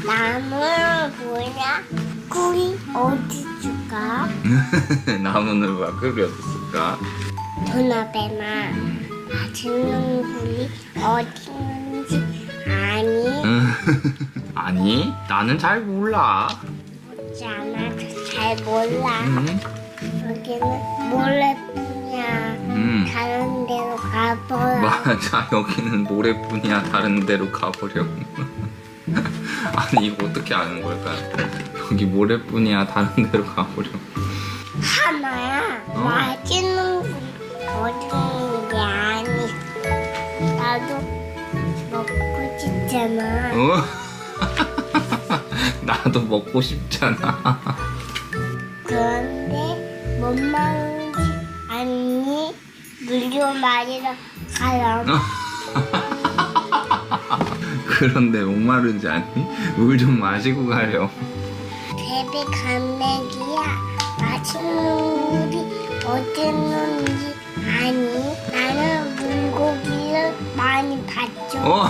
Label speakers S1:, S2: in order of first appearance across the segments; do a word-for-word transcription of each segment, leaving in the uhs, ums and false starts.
S1: 나무는 뭐냐? 꿀이 어디 줄까?
S2: 나무는 왜 꿀이 어디 있을까?
S1: 도나베나 맛있는 꿀이 어디 있는지 아니?
S2: 아니, 나는 잘 몰라.
S1: 묻지 않아도 잘 몰라.
S2: 음.
S1: 여기는 모래뿐이야.
S2: 음.
S1: 다른 데로 가보라.
S2: 맞아, 여기는 모래뿐이야. 다른 데로 가버려. 아니, 이거 어떻게 아는 걸까? 여기 모래뿐이야. 다른 데로 가버려.
S1: 하나야.
S2: 어?
S1: 맛있는 꿀이 어디 있는 게 아니. 나도 먹고 싶잖아.
S2: 어? 나도 먹고 싶잖아.
S1: 그런데 뭔 말인지 아니? 물 좀 마시러 가렴.
S2: 그런데 목마른지 아니? 물 좀 마시고 가렴.
S1: 베비 감내기야. 맛있는 물이 어디 있는지 아니? 나는 물고기를 많이 봤죠.
S2: 어?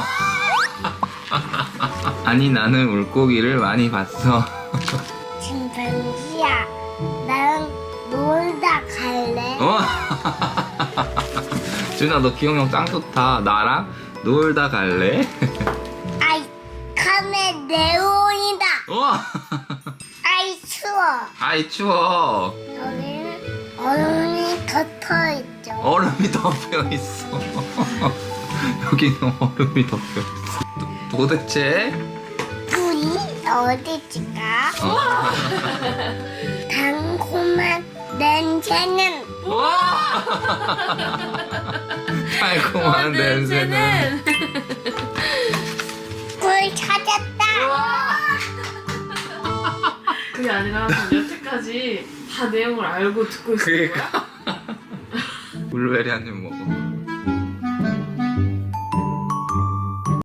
S2: 아니, 나는 물고기를 많이 봤어.
S1: 침팬지야. 나는 놀다 갈래.
S2: 어? 준아, 너 기억력 짱 좋다. 나랑 놀다 갈래?
S1: 아이 카메 네온이다.
S2: 어?
S1: 아이 추워.
S2: 아이, 추워.
S1: 여기는 얼음이 덮여 있죠.
S2: 얼음이 덮여 있어. 여기는 얼음이 덮여 있어. 도, 도대체?
S1: 꿀이 어디지가?
S2: 어.
S1: 달콤한 냄새는
S2: 달콤한 냄새는.
S1: 꿀 찾았다.
S3: 그게 아니라 난 여태까지 다 내용을 알고 듣고 있었던 거야.
S2: 그러니까. 블루베리 한 입 먹어.